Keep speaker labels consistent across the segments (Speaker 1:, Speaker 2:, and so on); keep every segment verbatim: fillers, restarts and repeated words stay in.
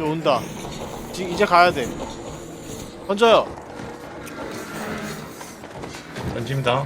Speaker 1: 이제 온다. 지, 이제 가야 돼. 던져요.
Speaker 2: 던집니다.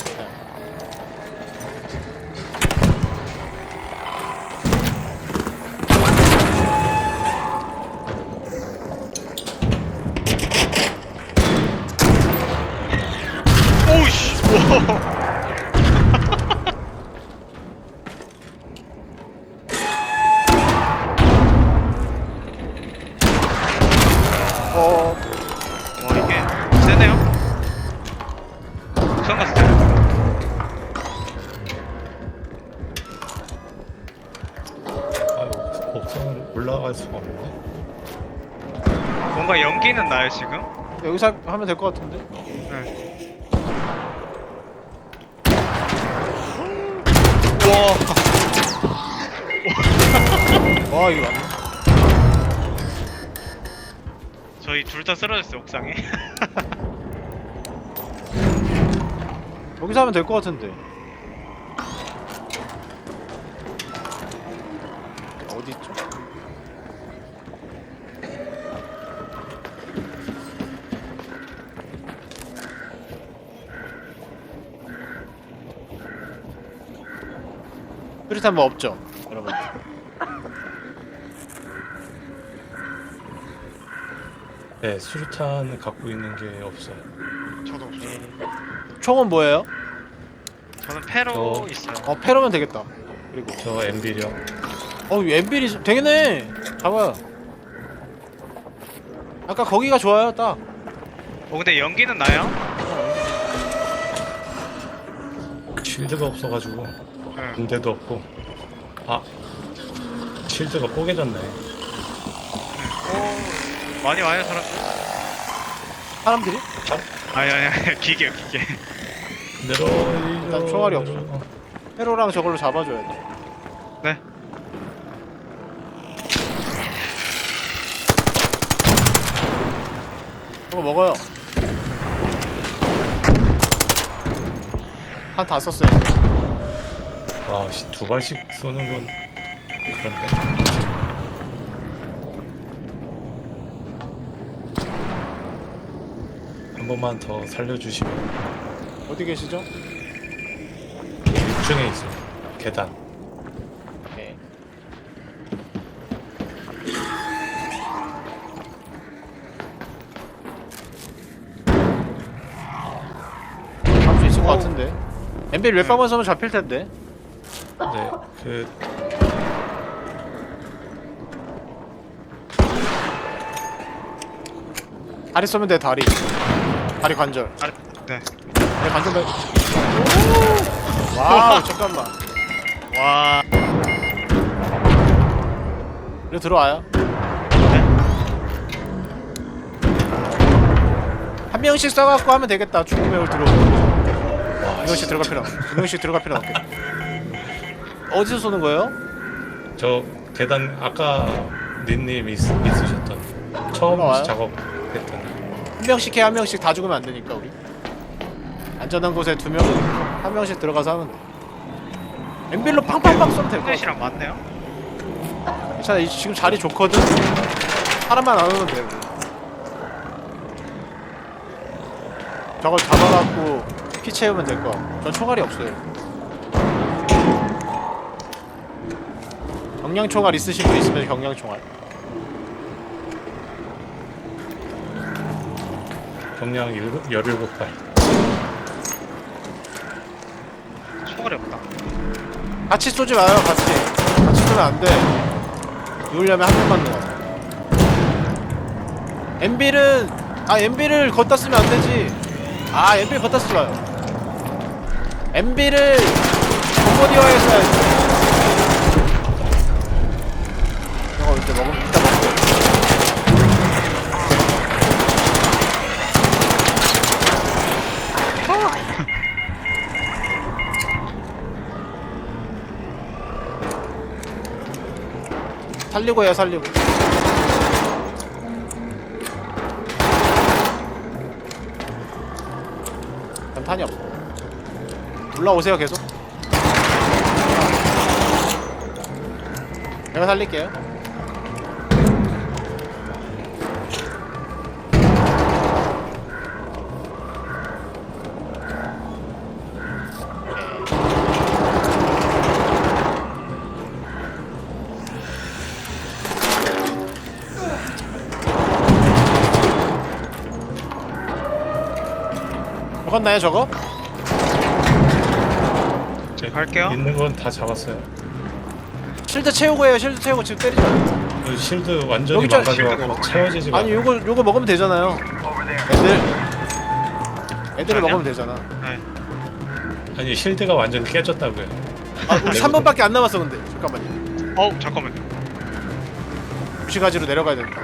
Speaker 3: 오우씨. 우와.
Speaker 1: 어,
Speaker 3: 와 이게 세네요. 처음 봤을 때.
Speaker 2: 아유, 옥상을 올라갈 수가 없네.
Speaker 3: 뭔가 연기는 나요 지금.
Speaker 1: 여기서 하- 하면 될 것 같은데?
Speaker 3: 네. 우와.
Speaker 1: 와, 이거 맞네.
Speaker 3: 저희 둘 다 쓰러졌어요 옥상에.
Speaker 1: 여기서 하면 될 것 같은데. 어디 있죠? 수리탄 뭐 없죠, 여러분?
Speaker 2: 네, 수류탄을 갖고 있는 게 없어요.
Speaker 3: 저도 없어요.
Speaker 1: 총은 뭐예요?
Speaker 3: 저는 패로
Speaker 2: 저-
Speaker 3: 있어요.
Speaker 1: 어, 패러면 되겠다. 그리고
Speaker 2: 저 엠비력.
Speaker 1: 어, 엠빌이 되겠네. 잡아요. 아까 거기가 좋아요, 딱.
Speaker 3: 어 근데 연기는 나요?
Speaker 2: 쉴드가 없어가지고
Speaker 3: 네.
Speaker 2: 군대도 없고. 아, 쉴드가 뽀개졌네.
Speaker 3: 오 많이 와요 사람들.
Speaker 1: 사람들이?
Speaker 3: 아니 아니 아니 기계요 기계.
Speaker 2: 내려.
Speaker 1: 일단 총알이 없어. 패로랑 저걸로 잡아줘야 돼.
Speaker 3: 네.
Speaker 1: 저거 먹어요. 한 다 썼어요.
Speaker 2: 와, 씨, 두 발씩 쏘는 건 그런데. 한 번만 더 살려주시면.
Speaker 1: 어디 계시죠?
Speaker 2: 육 층에 있어요. 계단.
Speaker 1: 네. 잡을 수 있을 것 같은데. 엠빌 몇 방만 쏘면 잡힐 텐데.
Speaker 2: 네, 그
Speaker 1: 다리 쏘면 돼, 다리. 다리 관절.
Speaker 3: 아, 네.
Speaker 1: 다리 관절 말. 와우, 잠깐만.
Speaker 3: 와.
Speaker 1: 이리 들어와요. 한 명씩 써갖고 하면 되겠다. 중국명을 들어오고.
Speaker 2: 와,
Speaker 1: 두 명씩 들어갈 필요 없. 두 명씩 들어갈 필요 없겠다. 어디서 쏘는 거예요?
Speaker 2: 저 계단 아까 닌님 있, 있으셨던 처음
Speaker 1: 올라와요?
Speaker 2: 작업했던.
Speaker 1: 한 명씩 해, 한 명씩 다 죽으면 안 되니까 우리. 안전한 곳에 두 명, 한 명씩 들어가서 하면 돼. 엠빌로 팡팡팡 쏘면 될 것 같아.
Speaker 3: 플래시랑 맞네요.
Speaker 1: 괜찮아, 이- 지금 자리 좋거든. 사람만 안 오면 돼. 우리. 저걸 잡아갖고 피 채우면 될 거야. 전 총알이 없어요. 경량 총알 있으신 분 있으면 경량 총알.
Speaker 2: 경량 열일곱 발.
Speaker 3: 총알이 없다.
Speaker 1: 같이 쏘지 마요, 같이. 같이 쏘면 안 돼. 누우려면 한 명만 넣어. 엠빌은, 아, 엠빌을 걷다 쓰면 안 되지. 아, 엠빌 걷다 쓰지 마요. 엠빌을 콤보디어에서 해야지. 이거 이제 먹으면 이따 먹고. 살리고 해요, 살리고. 탄이 없어. 올라오세요, 계속. 내가 살릴게요. 잡았나요 저거?
Speaker 2: 제
Speaker 3: 갈게요.
Speaker 2: 있는 건 다 잡았어요.
Speaker 1: 실드 채우고 해요. 실드 채우고 지금 때리죠.
Speaker 2: 그 실드 완전히
Speaker 1: 여기 저
Speaker 2: 망가져갖고 채워지지가
Speaker 1: 아니
Speaker 2: 않아요.
Speaker 1: 요거 요거 먹으면 되잖아요. 애들 애들을 먹으면 되잖아.
Speaker 3: 네.
Speaker 2: 아니 실드가 완전 깨졌다고요.
Speaker 1: 아 우리 삼 번밖에 안 남았어 근데. 잠깐만요.
Speaker 3: 어우 잠깐만요.
Speaker 1: 무시가지로 내려가야 된다.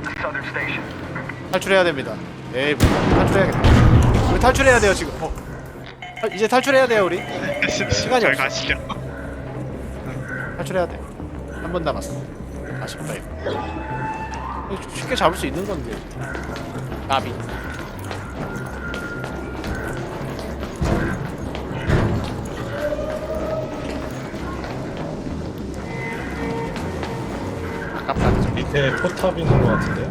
Speaker 1: 탈출해야 됩니다. 에이 뭐, 탈출해야겠다. 우리 탈출해야 돼요 지금. 어. 아, 이제 탈출해야 돼요 우리. 시간이
Speaker 3: 잘
Speaker 1: 없어.
Speaker 3: 가시죠.
Speaker 1: 탈출해야 돼. 한 번 남았어. 아쉽다 이거. 이거 쉽게 잡을 수 있는 건데. 나비. 아깝다. 그죠?
Speaker 2: 밑에 포탑 있는 것 같은데.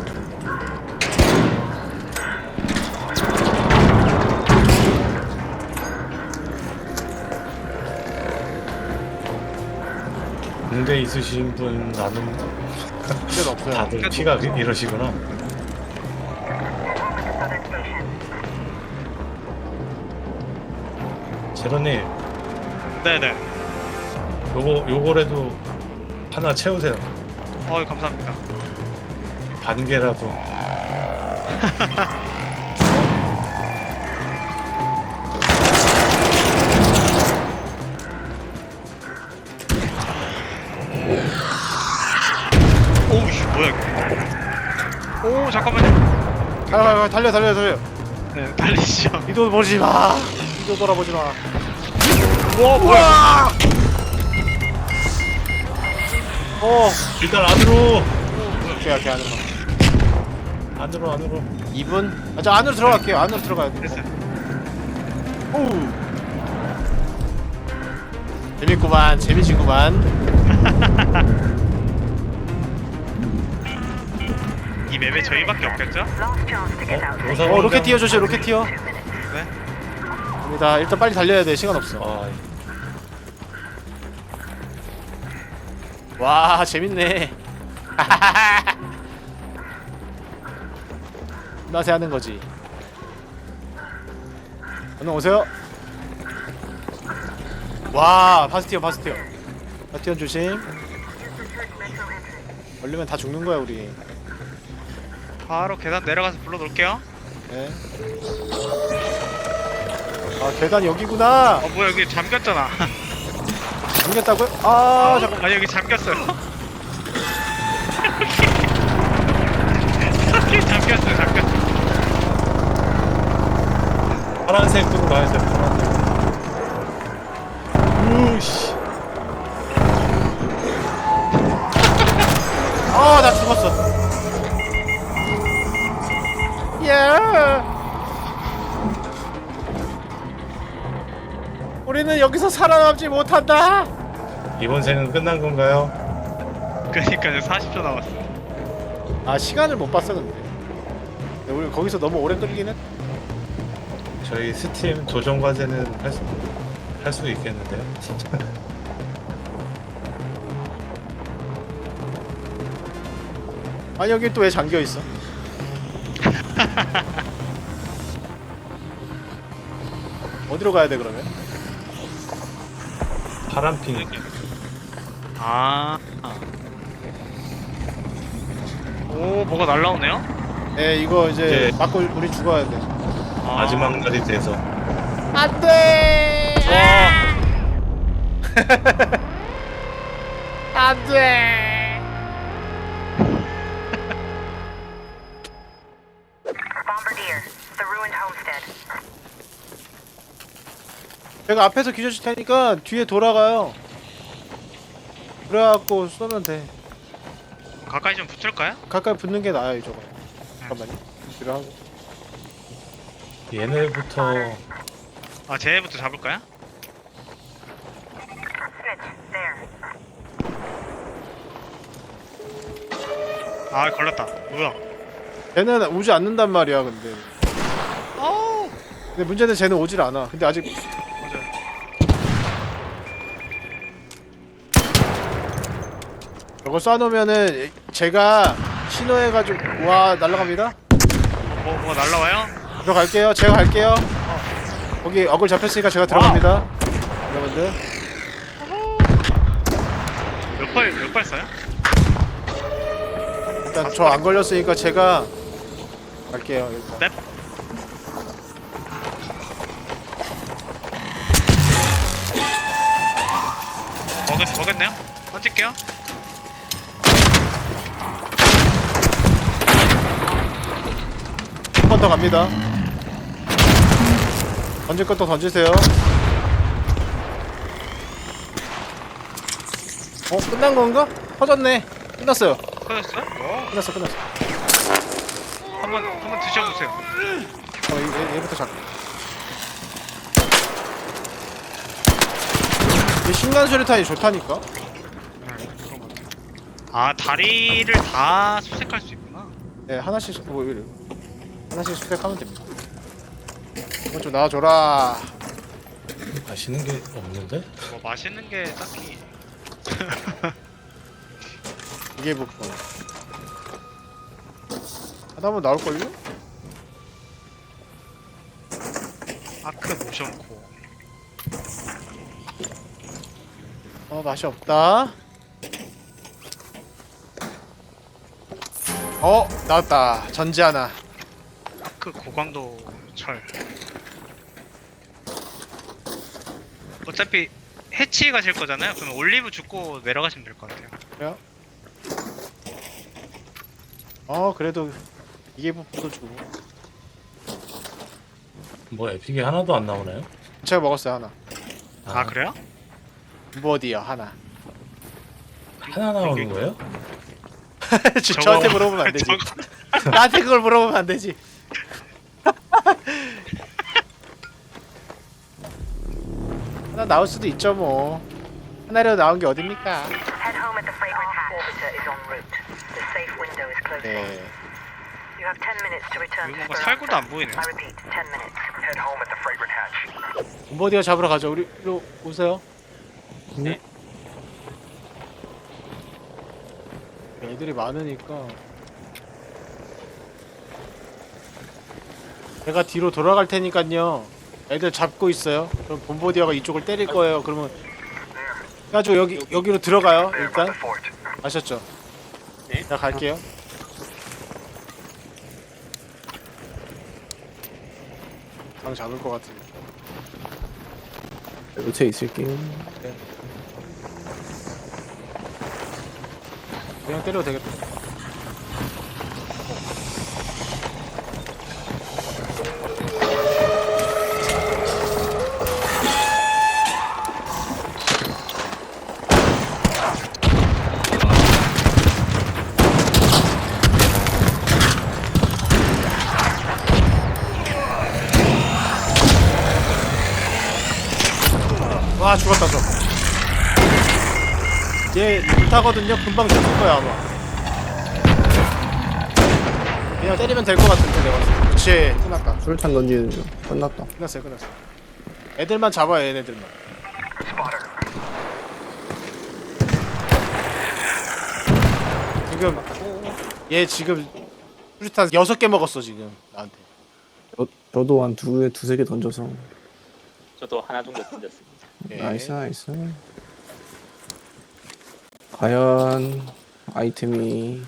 Speaker 2: 군대 있으신 분 나는
Speaker 1: 문제는 없어요.
Speaker 2: 다들 피가 이러시구나. 제로님,
Speaker 3: 네네.
Speaker 2: 요거 요거라도 하나 채우세요.
Speaker 3: 어우 감사합니다.
Speaker 2: 반 개라도.
Speaker 3: 오우씨 뭐야 이거. 오 잠깐만요.
Speaker 1: 아, 아, 아, 달려 달려 달려.
Speaker 3: 네 달리시죠.
Speaker 1: 이도 보지 마. 이도 돌아보지 마.
Speaker 3: 와
Speaker 1: 우와! 어.
Speaker 2: 일단 안으로,
Speaker 1: 오케이 오케이 안으로.
Speaker 2: 안으로, 안으로.
Speaker 1: 이 분? 아, 저 안으로 들어갈게요. 안으로 들어가야 돼.
Speaker 3: 됐어요.
Speaker 1: 오. 재밌구만. 재미지구만.
Speaker 3: 이 맵에 저희밖에 없겠죠?
Speaker 2: 어, 오사
Speaker 1: 어, 로켓 튀어 조심. 로켓 튀어.
Speaker 3: 네.
Speaker 1: 갑니다. 일단 빨리 달려야 돼. 시간 없어.
Speaker 2: 아,
Speaker 1: 와, 재밌네. 나세 하는 거지. 얼른 오세요. 와, 바스티온, 바스티온. 바스티온 조심. 걸리면 다 죽는 거야, 우리.
Speaker 3: 바로 계단 내려가서 불러놓을게요.
Speaker 1: 네. 아, 계단 여기구나.
Speaker 3: 어 뭐야 여기 잠겼잖아.
Speaker 1: 잠겼다고요? 아, 잠깐.
Speaker 3: 아니 여기 잠겼어요. 여기 잠겼어요 잠겼어.
Speaker 2: 파란색으로 가야 돼. 파란색. 우씨.
Speaker 1: 아, 나 죽었어. 예. 우리는 여기서 살아남지 못한다.
Speaker 2: 이번 생은 끝난 건가요?
Speaker 3: 그러니까요 사십 초 남았어.
Speaker 1: 아, 시간을 못 봤어 근데. 근데 우리 거기서 너무 오래 끌리긴 했.
Speaker 2: 저희 스팀 조정 과제는 할 수, 할 수 있겠는데요? 진짜.
Speaker 1: 아니 여기 또 왜 잠겨 있어? 어디로 가야 돼 그러면?
Speaker 2: 파란핑.
Speaker 3: 아. 오 뭐가 날라오네요?
Speaker 1: 네, 이거 이제
Speaker 2: 네.
Speaker 1: 맞고 우리 죽어야 돼.
Speaker 3: 아.
Speaker 2: 마지막 날이 돼서.
Speaker 1: 안 돼. 안 돼.
Speaker 4: Bombardier, the ruined homestead.
Speaker 1: 제가 앞에서 기절시 테니까 뒤에 돌아가요. 그래갖고 쏘면 돼.
Speaker 3: 가까이 좀 붙을까요?
Speaker 1: 가까이 붙는 게 나아요, 저거. 잠깐만요. 뒤로 하고.
Speaker 2: 얘네부터
Speaker 3: 아 쟤부터 잡을까요?
Speaker 4: Snitch, there.
Speaker 3: 아 걸렸다. 뭐야?
Speaker 1: 쟤는 오지 않는단 말이야, 근데.
Speaker 3: 어우.
Speaker 1: 근데 문제는 쟤는 오질 않아. 근데 아직
Speaker 3: 맞아.
Speaker 1: 저거 쏴놓으면은 제가 신호해가지고 와 날라갑니다.
Speaker 3: 뭐 뭐가 날라와요?
Speaker 1: 들어갈게요. 제가 갈게요. 거기 어글 잡혔으니까 제가 들어갑니다. 여러분들.
Speaker 3: 몇 발, 몇 발 쏴요?
Speaker 1: 일단 저 안 걸렸으니까 제가 갈게요. 일단.
Speaker 3: 넵. 먹었, 먹었네요? 던질게요.
Speaker 1: 한 번 더 갑니다. 던질 것도 던지세요. 어? 끝난 건가? 터졌네. 끝났어요.
Speaker 3: 꺼졌어요?
Speaker 1: 끝났어, 끝났어.
Speaker 3: 한번, 한번 드셔보세요.
Speaker 1: 어, 얘, 얘부터 잡. 이 신간 수류탄이 좋다니까?
Speaker 3: 아, 다리를 다 수색할 수 있구나.
Speaker 1: 네, 하나씩, 뭐, 이래. 하나씩 수색하면 됩니다. 이건 좀 나와줘라.
Speaker 2: 맛있는 게 없는데?
Speaker 3: 뭐 맛있는 게 딱히.
Speaker 1: 이게 뭐, 어. 하다 보면 나올걸요?
Speaker 3: 아크 모션코.
Speaker 1: 어, 맛이 없다. 어, 나왔다. 전지 하나.
Speaker 3: 아크 고강도 철. 어차피 해치 가실 거잖아요. 그러면 올리브 줍고 내려가시면 될 것 같아요.
Speaker 1: 그래요? 어, 그래도 이게 부분도 주고.
Speaker 2: 뭐 에픽이 하나도 안 나오나요?
Speaker 1: 제가 먹었어요, 하나.
Speaker 3: 아, 그래요?
Speaker 1: 뭐디요, 하나.
Speaker 2: 하나 나오는 거예요?
Speaker 1: 저,
Speaker 3: 저거-
Speaker 1: 저한테 물어보면 안 되지.
Speaker 3: 저거-
Speaker 1: 나한테 그걸 물어보면 안 되지. 하나 나올 수도 있죠, 뭐. 하나라도 나온 게 어딥니까?
Speaker 4: Head home at the fragrant hatch. Orbiter is en route. The safe window is closing.
Speaker 1: 네.
Speaker 4: You have ten minutes to return
Speaker 3: 이거
Speaker 4: to
Speaker 3: 뭔가
Speaker 4: Speranza.
Speaker 3: 살구도 안 보이네.
Speaker 4: I repeat, ten minutes. Head home at the fragrant hatch.
Speaker 1: 본보디가 잡으러 가죠. 우리, 이리로 오세요.
Speaker 5: 네.
Speaker 1: 애들이 많으니까. 제가 뒤로 돌아갈 테니까요. 애들 잡고 있어요. 그럼 본보디아가 이쪽을 때릴 거예요. 그러면 해가지고 여기 여기로 들어가요. 일단 아셨죠?
Speaker 5: 네.
Speaker 1: 자 갈게요. 방 잡을 것 같은데.
Speaker 5: 요새 있을게요.
Speaker 1: 그냥 때려도 되겠다. 와 죽었다 저. 얘 불타거든요. 금방 죽을 거야 아마. 그냥 때리면 될 것 같은데 내가 봤을 때. 그치 끝났다.
Speaker 5: 술탄 던지는 중. 끝났다.
Speaker 1: 끝났어요 끝났어. 애들만 잡아요 얘네들만. 지금 얘 지금 수류탄 여섯 개 먹었어 지금 나한테.
Speaker 5: 저, 저도 한 두, 두세 개 던져서.
Speaker 6: 저도 하나 정도 던졌습니다.
Speaker 1: 예.
Speaker 5: 나이스, 나이스. 과연 아이템이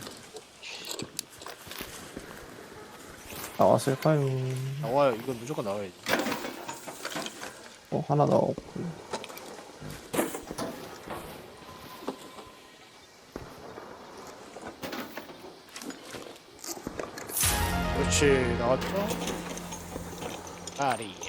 Speaker 5: 나왔을까요?
Speaker 1: 나와요. 이건 무조건 나와야지.
Speaker 5: 어, 하나 나왔고.
Speaker 1: 그렇지 나왔죠. 아리.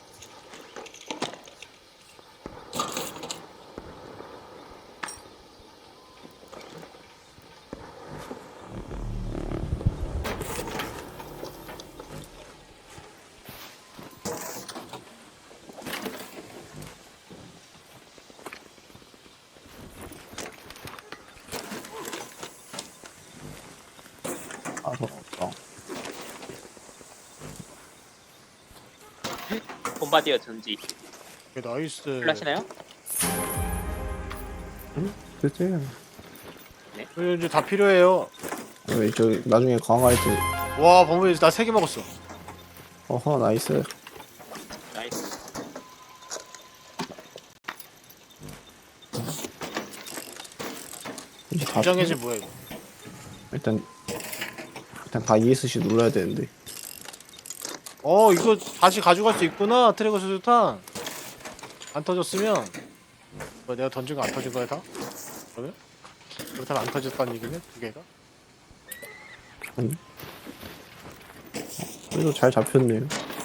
Speaker 5: 아, 더
Speaker 6: bombardier 전지
Speaker 1: 예, 나이스.
Speaker 6: 필요하시나요?
Speaker 5: 그치?
Speaker 1: 어, 이제 다 필요해요.
Speaker 5: 왜, 저, 나중에 강화할 때,
Speaker 1: 와 범위 나 세 개 먹었어.
Speaker 5: 어허, 나이스.
Speaker 6: 나이스.
Speaker 1: 부정해지 뭐야 이거.
Speaker 5: 일단 일단 다 이에스씨 눌러야 되는데.
Speaker 1: 어 이거 다시 가져갈 수 있구나. 트래거 수류탄 안 터졌으면 뭐 내가 던진 거 안 터진 거야 다? 그러면? 그렇다면 안 터졌다는 얘기네 두 개가?
Speaker 5: 아니. 그래도 잘 잡혔네요.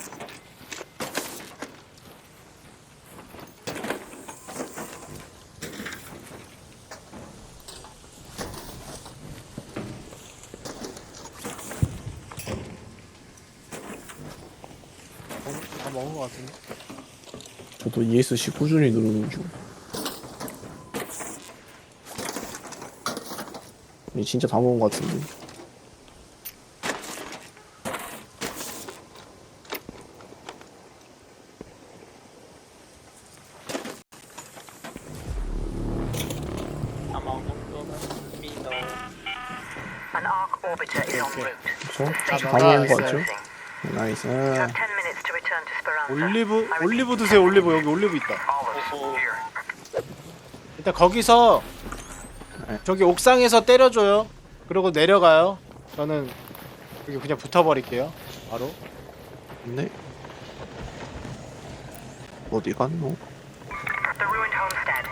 Speaker 1: 어, 다 먹은 거 같은데?
Speaker 5: 저도 이에스씨 꾸준히 누르는 중. 아니, 진짜 다 먹은 거 같은데.
Speaker 6: 아마 정도 같습니다.
Speaker 4: An arc orbiter is en route.
Speaker 5: 그쵸?
Speaker 1: 아,
Speaker 5: 다
Speaker 1: 나가
Speaker 5: 먹은 거
Speaker 1: 있어요.
Speaker 5: 같죠? 나이스.
Speaker 4: You have ten minutes to return to Speranza.
Speaker 1: 올리브 올리브 드세요. 올리브 여기 올리브 있다.
Speaker 6: 오호.
Speaker 1: 일단 거기서
Speaker 5: 네.
Speaker 1: 저기 옥상에서 때려줘요. 그리고 내려가요. 저는 여기 그냥 붙어버릴게요. 바로.
Speaker 5: 네. 어디 갔노?
Speaker 4: The ruined homestead.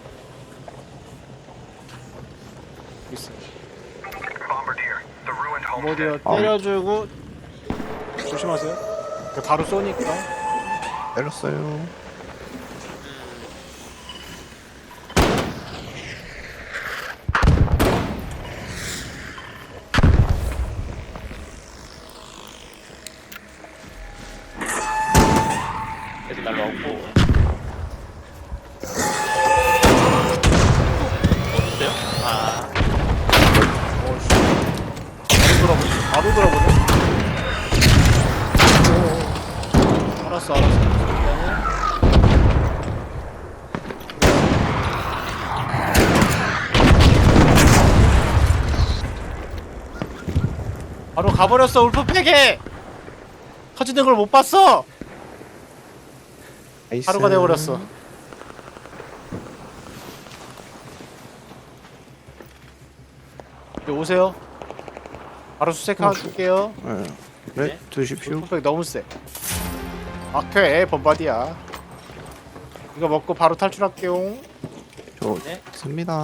Speaker 1: 있어.
Speaker 7: Bombardier, the ruined
Speaker 1: 어디요?
Speaker 7: homestead.
Speaker 5: 아.
Speaker 1: 때려주고 조심하세요. 그 바로 쏘니까.
Speaker 5: 때렸어요.
Speaker 6: 애들 날라오고. 어딨어요? 아,
Speaker 1: 어씨. 바로 돌아보네. 바로 돌아보네. 오. 알았어, 알았어. 일단은 바로 가버렸어. 울프팩에 터지는 걸 못 봤어.
Speaker 5: 나이스.
Speaker 1: 하루가 돼버렸어. 이제 오세요. 바로 수색하 줄게요.
Speaker 5: 네. 네, 드십시오.
Speaker 1: 울프팩 너무 세. 막해 범바디야. 이거 먹고 바로 탈출할게요.
Speaker 5: 저
Speaker 6: 네.
Speaker 5: 씁니다.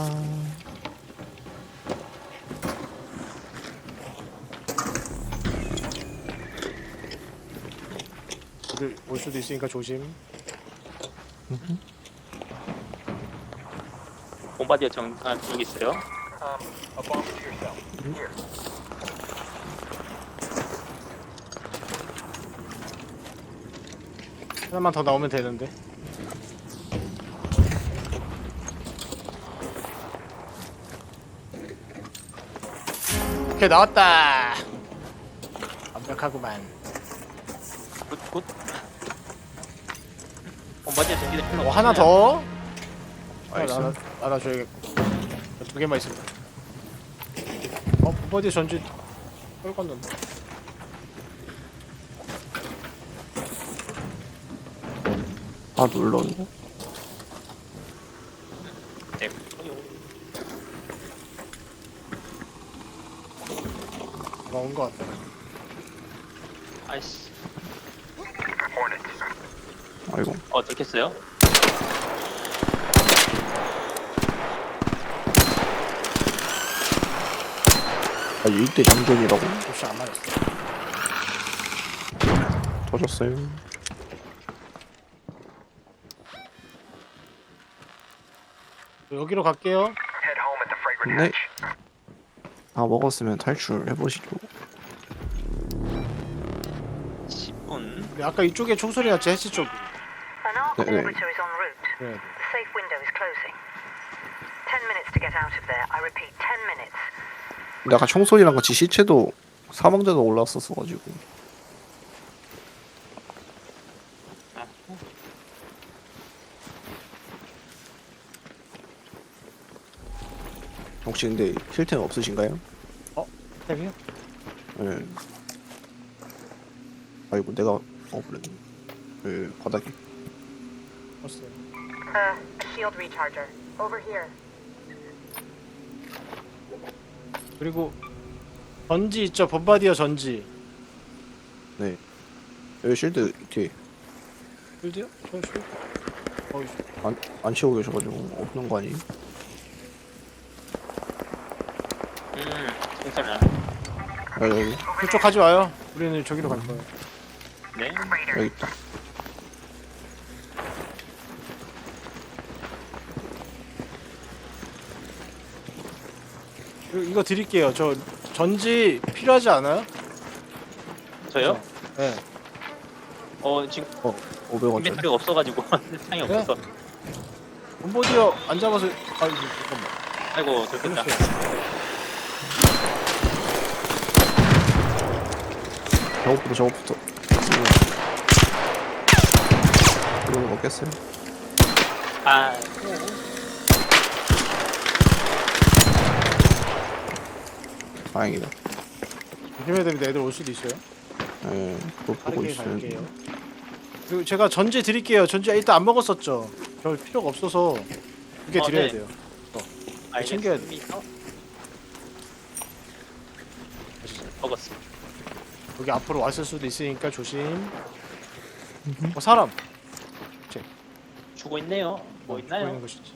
Speaker 1: 애들 올 수도 있으니까 조심.
Speaker 6: bombardier 정, 아, 여기 있어요.
Speaker 7: Um, a bomb to yourself. Here.
Speaker 1: 하나만 더 나오면 되는데. 오케이 나왔다. 완벽하구만.
Speaker 6: 굿, 굿. bombardier 전기대 필요
Speaker 1: 어 하나 더. 하나
Speaker 5: 나이스.
Speaker 1: 나눠 나눠 줘야겠고. 두 개만 있으면. 어 범바디 전지 떨궜는데.
Speaker 5: 아, 눌렀네.
Speaker 6: 네.
Speaker 1: 나온 거 같다.
Speaker 6: 아이씨.
Speaker 7: Hornets.
Speaker 5: 아이고.
Speaker 6: 어, 들켰어요?
Speaker 5: 아, 일대 장전이라고?
Speaker 1: 혹시 안 맞았어.
Speaker 5: 터졌어요.
Speaker 1: 여기로 갈게요.
Speaker 7: Head home at the fragrant
Speaker 5: 네.
Speaker 7: hatch.
Speaker 5: 다 먹었으면 탈출해보시죠.
Speaker 6: 십 분.
Speaker 1: 근데 아까 이쪽에 총소리 났지 해치 쪽.
Speaker 4: An arc
Speaker 5: 네, 네.
Speaker 4: orbiter is en route.
Speaker 1: 그래야 돼.
Speaker 4: The safe window is closing. Ten minutes to get out of there. I repeat, ten minutes.
Speaker 5: 근데 아까 총소리랑 같이 시체도 사망자도 올라왔었어가지고.
Speaker 6: 아,
Speaker 5: 혹시 근데 힐템 없으신가요?
Speaker 1: 탭이요?
Speaker 5: 네. 아이고 내가 어 그랬네. 그 바닥에.
Speaker 1: 없어요.
Speaker 4: Uh, a shield recharger. Over here.
Speaker 1: 그리고 전지 있죠, 범바디어 전지.
Speaker 5: 네. 여기 쉴드 뒤에
Speaker 1: 필드요? 저 필드. 어,
Speaker 5: 안, 안 치고 계셔가지고 없는 거 아니에요?
Speaker 6: 음, 괜찮아.
Speaker 5: 아, 여기
Speaker 1: 그쪽 가지 마요. 우리는 저기로 갈 거예요.
Speaker 6: 네.
Speaker 5: 여기 있다.
Speaker 1: 그리고 이거 드릴게요. 저 전지 필요하지 않아요?
Speaker 6: 저요?
Speaker 1: 네.
Speaker 6: 어, 지금
Speaker 5: 오백 원짜리.
Speaker 6: 인벤토리가 없어가지고 상이
Speaker 1: 네?
Speaker 6: 없어서.
Speaker 1: 범바디어 안 잡아서. 아, 이거 잠깐만.
Speaker 6: 아이고, 좋겠다.
Speaker 1: 끊었어요.
Speaker 5: 저것부터 저것부터. 이거 먹겠어요?
Speaker 6: 아,
Speaker 5: 다행이다.
Speaker 1: 조심해야 됩니다. 애들 올 수도 있어요.
Speaker 5: 예, 그거 보고
Speaker 1: 빠르게
Speaker 5: 있어요.
Speaker 1: 갈게요. 그리고 제가 전지 드릴게요. 전지 일단 안 먹었었죠. 별 필요가 없어서 두개
Speaker 6: 어,
Speaker 1: 드려야
Speaker 6: 네.
Speaker 1: 돼요.
Speaker 6: 알겠습니다.
Speaker 1: 챙겨야
Speaker 6: 먹었습니다.
Speaker 1: 여기 앞으로 왔을 수도 있으니까 조심. 어, 사람.
Speaker 6: 주고 있네요. 뭐
Speaker 1: 죽어 있는
Speaker 6: 있나요?
Speaker 1: 것이지.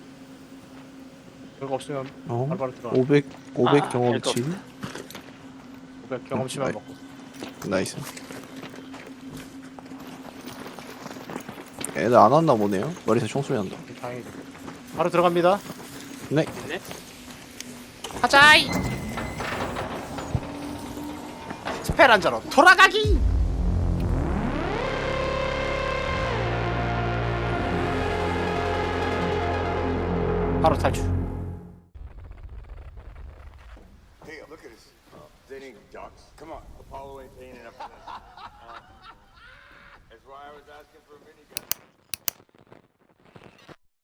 Speaker 1: 별거 없으면
Speaker 5: 어?
Speaker 1: 바로바로 들어가.
Speaker 5: 오백 오백
Speaker 6: 아,
Speaker 5: 경험치.
Speaker 1: 오백 경험치만
Speaker 5: 네.
Speaker 1: 먹고.
Speaker 5: 나이스. 애들 안 왔나 보네요. 머리에서 총소리 난다.
Speaker 1: 다행이다. 바로 들어갑니다.
Speaker 5: 네.
Speaker 6: 네.
Speaker 1: 하자이. 스페란자로 돌아가기. 바로 탈출.
Speaker 8: Hey, look at this. They ain't ducks. Come on, Apollo ain't paying enough for this. Uh, that's why I was asking for a minigun.